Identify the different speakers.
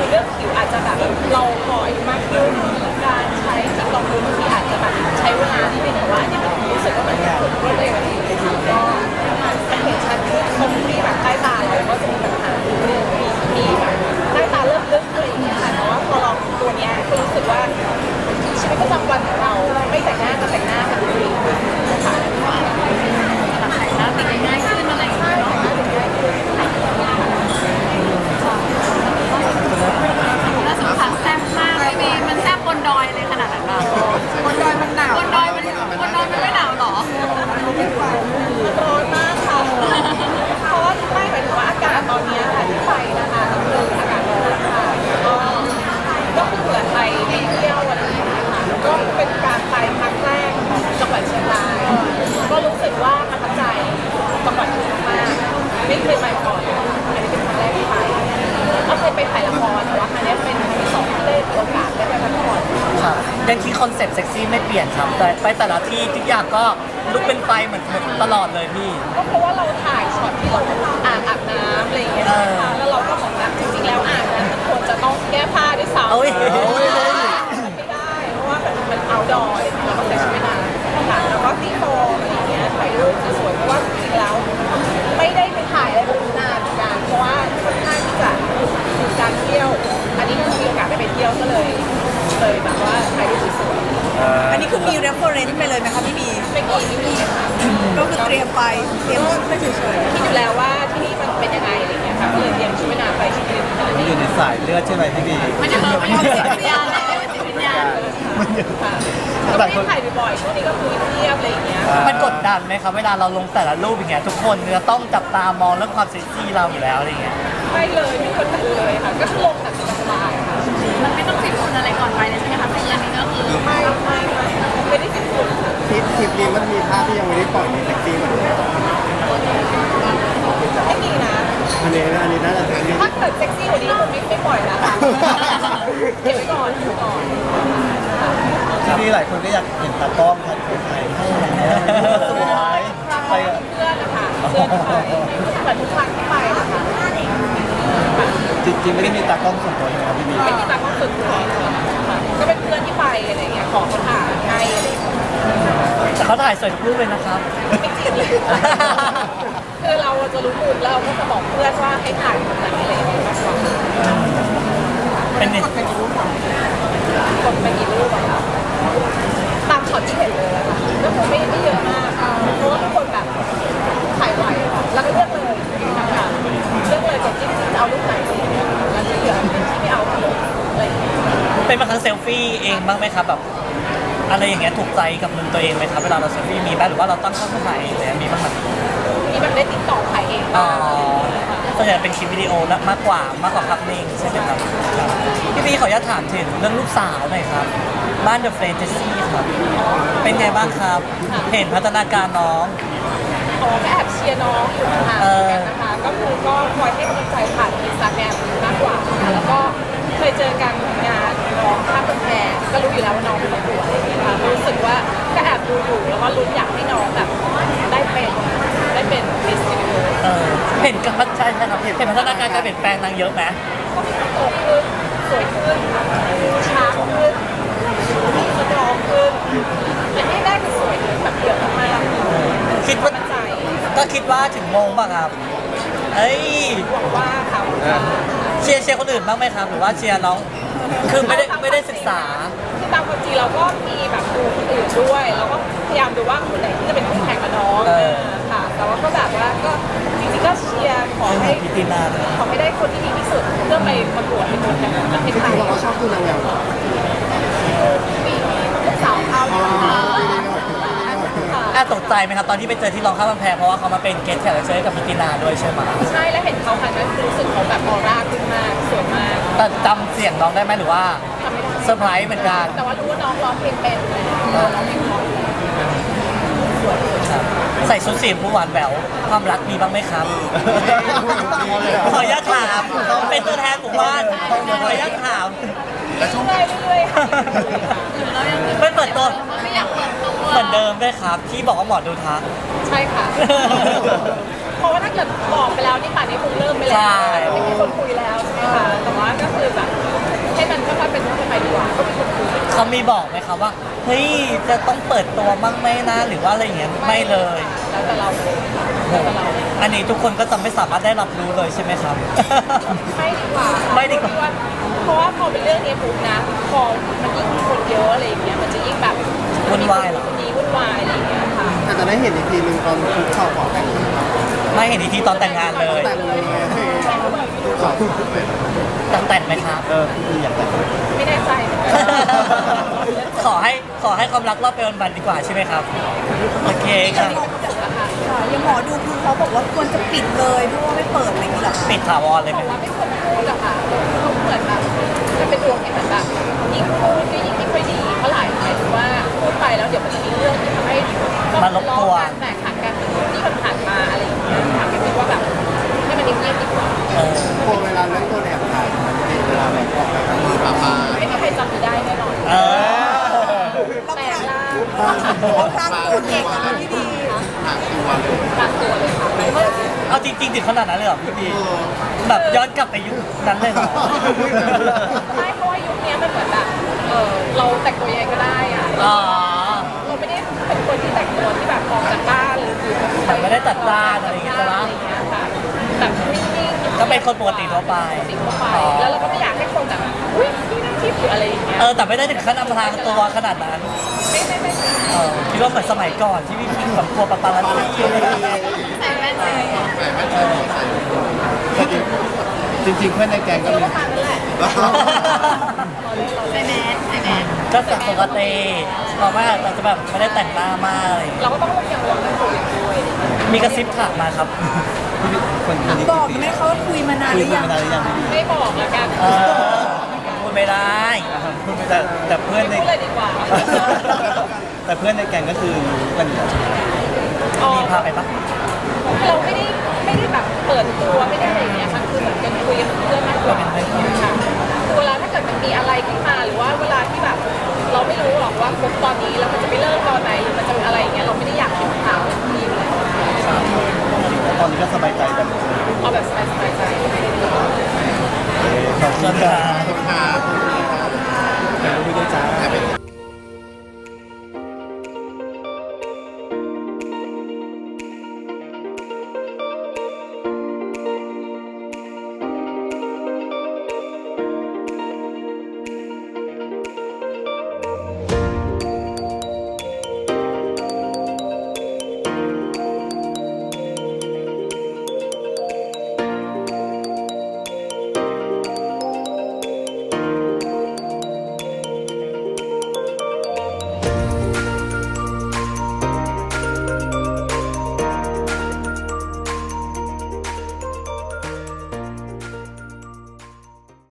Speaker 1: คือเรื่องผิวอาจจะแบบเราพออายุมากขึ้นการใช้จิตรองพื้นบางทีอาจจะแบบใช้เวลาที่เป็นแต่ว่าเนี่ยมันรู้สึกว่ามันถูกรวดเร็วดีก็มันเห็นชัดขึ้นตรงที่แบบใต้ตาเราก็จะมีปัญหามีแบบใต้ตาเริ่มลึกอะไรอย่างเงี้ยค่ะแต่ว่าพอลองตัวเนี้ยก็รู้สึกว่าชีวิตประจำวันของเราไม่แต่งหน้าก็แต่งหน้ามันดีค่ะแต่งหน้าติดง่ายขึ้นอะไรอย่างเงี้ยแต่งหน้าติดง่ายขึ้น
Speaker 2: แล้วสุดท้ายแซ่บมากไม่มีมันแซ่บบนดอยเลยขนาดนั้นหรอบนดอยมันหนาวบนดอยมันไม่หนาวหรอ
Speaker 1: ร้อนมากค่ะเพราะว่าไม่หมายถึงว่าอากาศตอนนี้ค่ะที่ไปนะคะคืออากาศร้อนค่ะก็คือเผื่อไปเที่ยวอะไรอย่างเงี้ยค่ะก็เป็นการไปครั้งแรกของจังหวัดเชียงรายก็รู้สึกว่าประทับใจจังหวัดนี้มากไม่เคยไปก่อนอันนี้เป็นครั้งแรกที่ไปก็เคยไปถ่ายละครแต่ว่าครั้งนี้เป็นครั้งที่สองที่ได้มีโอกาสได้ไปพักผ่อน
Speaker 3: ค่ะยังที่คอนเซ็ปต์เซ็กซี่ไม่เปลี่ยนครับแต่ไปแต่ละที่ทุกอย่างก็ลุกเป็นไฟเหมือนตลอดเลยพี่
Speaker 1: ก็เพราะว่าเราถ่ายช็อตที่เราอาบน้ำอะไรอย่างเงี้ยนะคะแล้วเราก็บอกว่าจริงๆแล้วอ่างนั้นมันควรจะต้องแก้ผ้าด้วยซ้ำ
Speaker 3: โอ้ย
Speaker 1: ไม่ได้เพราะว่ามันเอาดอยเราก็ใส่ชุดว่ายน้ำค่ะแล้วก็ตีโฟมอะไรอย่างเงี้ยถ่ายรูปสวยๆเพราะว่าจริงๆแล้วไม่ได้ไปถ่ายอะไรแบบนานเหมือนกันเพราะว่าค่อนข้างที่จะดูการเที่ยวอันนี้คือมีโอกาสได้ไปเที่ยวก็เลยแบบว่าถ่ายรูปสวย
Speaker 4: ๆอันนี้คือมี reference ไปเลยไหมคะพี่บี
Speaker 1: ไม่มีค่ะ
Speaker 4: ก็คือเตรียมไปเตรียมไม่เฉย
Speaker 1: ๆคิดอยู่แล้วว่าที่นี่มันเป็นยังไงอะไรอย่างเงี้ยค่ะก็เลยเตรียมชุดว่ายน้ำไปชุดนึง
Speaker 5: มันอยู่ในสายเลือดใช่ไหมพี่บี
Speaker 2: มันจะมีความจิตวิญญาณเลยจิตวิญญาณ
Speaker 1: ค่ะแต่ที่ถ่ายบ่อยๆช่วงนี้ก็คือเทียบอะไรอย่างเงี้ย
Speaker 3: มันกดดันไหมครับเวลาเราลงแต่ละรูปอย่างเงี้ยทุกคนจะต้องจับตามองเรื่องความเซ็กซี่เราอยู่แล้วอะไรเงี้ย
Speaker 1: ไม่เลยไม่คนเลยค่ะก็ลงแบบสบายๆค่ะ
Speaker 2: มันไม่ต้องฟิตหุ่นอะไรก่อนไปเลยใช่ไหมคะเป็นเรื่องนี้ก็คือ
Speaker 1: ไม่ได้ฟิตหุ่น
Speaker 5: คลิปนี้มันมีภาพที่ยังไม่ได้ปล่อยในเซ็กซี่เหมือนกัน
Speaker 1: ไม่มีนะ
Speaker 5: อันนี้น่าจะเป็น
Speaker 1: ถ้าเกิดเซ็กซี่กว่านี้คงไม่ปล่อยแล้วค่ะเก็บไว้ก่อน
Speaker 5: ที่นี่หลายคนก็อยากเห็นตากล้องถ่ายคนไทยสวย
Speaker 1: ไปเพื่อนนะคะเพื่อนไปเหมือนทุกครั้งที่ไปนะคะ
Speaker 5: จริงๆไม่ได้มีตากล้องส่วนตัวใช่ไหมครับพี่บี
Speaker 1: ไม่มีตากล้องส่วนตัวค่ะก็เป็นเพื่อนที่ไปอะไรอย่างเงี้ยของเขาถ่ายให้อะไร
Speaker 3: แต่เขาถ่ายสวยทุกรูปเลยนะครับ
Speaker 1: ไม่จริงคือเราจะรู้มุมแล้วก็จะบอกเพื่อนว่าให้ถ่ายแบบไหนอะไรอย่างเงี้ยมากกว่า
Speaker 3: เป็นไง
Speaker 1: กดไปกี่รูปอะคะตามช็อตที่เห็นเลยอะค่ะก็คงไม่เยอะมากเพราะว่าทุกคนแบบถ่ายไวแล้วก็เลือกเลยค่ะเลือกเลยจากที่จะเอารูปไหนแล้วที่เหลือที่ไม่เอาอะไรอย่างเงี้ย
Speaker 3: เป็นบางครั้งเซลฟี่เองบ้างไหมครับแบบอะไรอย่างเงี้ยถูกใจกับมือตัวเองไหมครับเวลาเราเซลฟี่มีบ้างหรือว่าเราตั้งกล้องถ่ายเองมีบ้างไหม
Speaker 1: มีแบบได้ติดต่อถ่ายเอง
Speaker 3: ส่วนใหญ่เป็นคลิปวิดีโอมากกว่าภาพนิ่งใช่ไหมครับพี่บีขออนุญาตถามถึงเรื่องลูกสาวหน่อยครับบ้าน The Friend Jessie ครับเป็นไงบ้างครับเห็นพัฒนาการน้อง
Speaker 1: ก็แอบเชียร์น้องอยู่ห่างกันนะคะก็คือก็คอยให้กำลังใจผ่านInstagramมากกว่าแล้วก็เคยเจอกันงานน้องข้ามกำแพงก็รู้อยู่แล้วว่าน้องเป็นตัวอะไรอย่างเงี้ยค่ะรู้สึกว่าก็แอบดูอยู่แล้วก็ลุ้นอยากให้น้องแบบได้เป็นมิสซิลิโอ
Speaker 3: เห็นการใช่ครับเห็นพัฒนาการการเปลี่ยนแปลงนางเยอะไหม
Speaker 1: ก็มีความโตขึ้นสวยขึ้นช้าขึ้นสตรองขึ้นอันนี้ได้คือสวยขึ้นแบบเยอะมาก
Speaker 3: คิดว่าก็คิดว่าถึงโมงป่ะครับเอ้ย
Speaker 1: หวังว่าค่ะ
Speaker 3: เชียร์คนอื่นบ้างไหมครับหรือว่าเชียร์น้องคือไม่ได้ศึกษา
Speaker 1: คือตามความจริงเราก็มีแบบดูคนอื่นด้วยเราก็พยายามดูว่าคนไหนที่จะเป็นคู่แข่งกับน้องค่ะแต่ว่าก็แบบว่าก็จริงๆก็เชียร์ขอให้ได้คนที่ดีที่สุดเพื่อไปประกวดในตัวแทนประเทศไทย
Speaker 5: เราก็ชอบดูนางงาม
Speaker 1: ปีลูกสาวเขา
Speaker 3: ตกใจไหมครับตอนที่ไปเจอที่รองข้ามกำแพงเพราะว่าเขามาเป็นเกสต์แขกรับเชิญกับพิตินาด้วยใช่ไหม
Speaker 1: ใช่แล้วเห็นเขาค่ะนั้นรู้สึกเขาแบบออร่าขึ้นมากสวยมาก
Speaker 3: แต่จำเสียงน้องได้ไหมหรือว่าเซอร์ไพรส์เหมือนกัน
Speaker 1: แต่ว่ารู้ว่าน้องร้องเพลงเป็นร้องเพลงเพราะ
Speaker 3: ใส่ชุดสีผู้หวานแหววความรักมีบ้างไหมครับขออนุญาตถามเป็นตัวแทนหมู่บ้านขออนุญาตถาม
Speaker 1: เรื่อย
Speaker 3: ๆไม่เปิดตัวเหมือนเดิมด้วยครับที่บอกว่าหมอดูทัก
Speaker 1: ใช่ค่ะเพราะว่าถ้าเกิดบอกไปแล้วนี่ป่านนี้คงเริ่มไปแล้วไม่มีคนคุยแล้วใช่ไหมคะแต่ว่าก็คือแบบให้มันค่อยๆเป็นค่อยๆไปดีกว่าก็มีคนคุย
Speaker 3: เขามีบอกไหมครับว่าเฮ้ยจะต้องเปิดตัวบ้างไหมนะหรือว่าอะไรอย่างเงี้ยไม่เลย
Speaker 1: แล้วแต่เราเลยแล้วแต่เรา
Speaker 3: อันนี้ทุกคนก็จะไม่สามารถได้รับรู้เลยใช่ไหมครับ
Speaker 1: ไม่ดีกว่า
Speaker 3: ไม่ดีกว่า
Speaker 1: เพราะว่าพอเป็นเรื่องนี้ปุ๊บนะพอมันยิ่งมีคนเยอะอะไรอย่างเงี้ยมันจะยิ่งแบบ
Speaker 3: วุ่นวายเหรอ
Speaker 1: คนนี้วุ่นวายอะไรอย่างเงี้ยค่ะ
Speaker 5: แต่จะได้เห็นอีกทีหนึ่งตอนคุกเข่าขอแต่งงาน
Speaker 3: ไม่เห็นอีกทีตอนแต่งงานเลย
Speaker 5: แต่งเลยคุกเข่าเลย
Speaker 3: แต่งไหมครับ
Speaker 5: พี่อยากแต่ง
Speaker 1: ไม่แน่ใจเหมือนกัน
Speaker 3: ขอให้ความรักรอบไปวันๆดีกว่าใช่ไหมครับโอเคค่ะ
Speaker 4: ยังหมอดูคือเขาบอกว่าควรจะปิดเลยเพราะว่าไม่เปิดอะไรอย่างนี้หรอ
Speaker 3: ปิดถาวรเลย
Speaker 1: บ
Speaker 3: ไหม
Speaker 1: อกว่าไม่ควรพูดอะค่ะเขาเหมือนแบบมันเป็นดวงที่เหมือนแบบยิ่งพูดก็ยิ่งไม่ค่อยดีเพราะหมายถึงว่าพูดไปแล้วเดี๋ยวมันจะมีเรื่องที่ทำให้การแตกหักกันที่มันผ่านมาอะไรอย่างเงี้ยค่ะก็คิดว่าแบบให้มันเงียบๆดีกว่า
Speaker 3: เออ
Speaker 5: พอเวลาเล่นตัวแอบถ่ายมันเป็นเวลาแบบออกแบบมือปลาปลา
Speaker 1: ไม่มีใครจำได้แน่นอน
Speaker 3: เออ
Speaker 1: แต่ล่า
Speaker 4: เขาครั้งตัวเก่งนะพี่บี
Speaker 5: หางตัวเลย
Speaker 1: กลางตัวเลยค่ะไม่ว่า
Speaker 3: เอาจริงๆถึงขนาดนั้นเลยเหรอพี่บีแบบย้อนกลับไปยุคนั้นเลยเหรอ
Speaker 1: ไม่เพราะว่ายุคนี้มันเหมือนแบบเราแต่งตัวยังไงก็ได้อะ
Speaker 3: อ๋อ
Speaker 1: เราไม่ได้เป็นคนที่แต่งตัวที่แบบออกจากบ้านหรืออยู่
Speaker 3: แต่ไม่ได้จัดจ้านอะไรอย่างเงี้ยใช่ไหม
Speaker 1: อะไรอย่างเงี้ยค่ะแบบนิ่งๆ
Speaker 3: ก็เป็นคนปกติทั่วไป
Speaker 1: ปกติทั่วไปแล้วเราก็ไม่อยากให้คนแบบอุ้ยพี่นั่งทิพย์หรืออะไรอย่างเงี้ย
Speaker 3: แต่ไม่ได้ถึงขั้นอำพรางตัวขนาดนั้น
Speaker 1: ไม่
Speaker 3: คิดว่าเหมือนสมัยก่อนที่พี่พิงแบบกลัวปาปาลัสซี่อะไรอย่างเงี้ย
Speaker 2: ใส่แว่นเลย
Speaker 5: แต่ไม่ใช่ใส่จริงๆเพื่อนในแกงก็
Speaker 1: คิด
Speaker 5: มี
Speaker 1: ว่าทางนั้นแหละ
Speaker 2: ใส่แมสใส่แมส
Speaker 3: ก็สักปกติเพราะว่าเราจะแบบไม่ได้แต่งหน้ามากอะไรอย่างเงี้ย
Speaker 1: เราก็ต้องระวังเรื่องตัวเองด้วย
Speaker 3: มีกระซิบถามมาครับ
Speaker 5: คนนี้
Speaker 4: บอกไหมเขาคุยมานานหรือยัง
Speaker 5: มานานหรือยัง
Speaker 1: ไม่บอกละกัน
Speaker 3: พูดไม่ได้
Speaker 5: แต่เพื่อน
Speaker 1: ไม่
Speaker 5: ใน
Speaker 1: พูดเลยดีกว่า
Speaker 5: แต่เพื่อนในแกงก็คือรู้กันอยู่แล้วใช่ไหม
Speaker 3: มีพาไปปะ
Speaker 1: เราไม่ได้แบบเปิดตัวไม่ได้อะไรอย่างเงี้ยค่ะคือเหมือนกันคุยกับเพื่อนมากกว่าค่ะคือเวลาถ้าเกิดมันมีอะไรขึ้นมาหรือว่าเวลาที่แบบ เราไม่รู้หรอกว่าคบตอนนี้แล้วมันจะไปเลิกตอนไหนหรือมันจะอะไรอย่างเงี้ยเราไม่ได้อยากเห็นข่าวนี้อยู่แล้ว
Speaker 5: ตอนนี้ก็สบายใจแบบ
Speaker 1: เอาแบบสบายใจ
Speaker 5: ขอบคุณครับ